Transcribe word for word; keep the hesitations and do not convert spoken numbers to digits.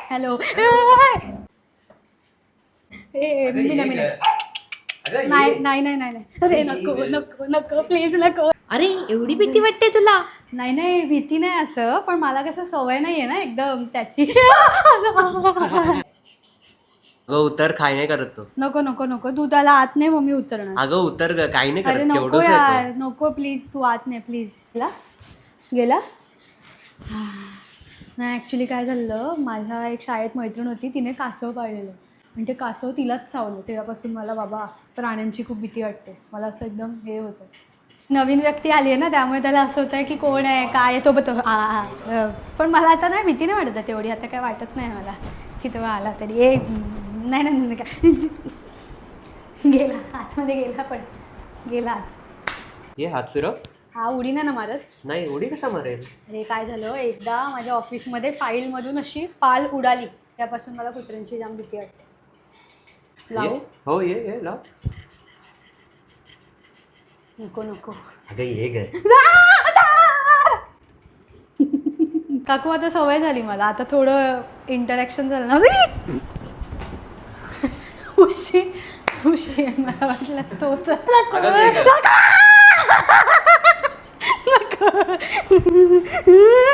Hello ए मी नाही मी नाही नाही नाही नाही नाही अरे नको नको नको प्लीज नको. अरे एवढी भीती वाटते तुला? नाही नाही भीती नाही असं, पण मला कसं सवय नाही आहे ना एकदम त्याची. अगं उतर, काय नाही करत तो. नको नको नको तू त्याला आत नाही मम्मी उतरणार. अगं उतर ग, काही नाही अरे करत. नको केवढंच यार येतो. नको प्लीज तू आत नाही प्लीज. गेला गेला नाही ॲक्च्युली काय झालं, माझ्या एक शाळेत मैत्रीण होती, तिने कासव पाळलेलं आणि ते कासव तिलाच चावलं. तेव्हापासून मला बाबा प्राण्यांची खूप भीती वाटते. मला असं एकदम हे होतं. नवीन व्यक्ती आली आहे ना, त्यामुळे त्याला असं होतं की कोण आहे काय आहे तो बतो. पण मला आता नाही भीती नाही वाटत तेवढी. आता काय वाटत नाही मला की तेव्हा आला तरी. ए नाही नाही नाही काय गेला आतमध्ये गेला पण गेला आत. ये हात फिरव. हा उडी नाही ना मारत. नाही उडी कसा मारेल. अरे काय झालं, एकदा माझ्या ऑफिसमध्ये फाईलमधून अशी पाल उडाली, त्यापासून मला कुत्र्यांची जाम भीती वाटते. लावू? हो ये ये लाव. नको नको अगं ये ग. काकू आता सवय झाली मला. आता थोडं इंटरॅक्शन झालं ना उशी उशी मला वाटलं तोच. अगं ये ग.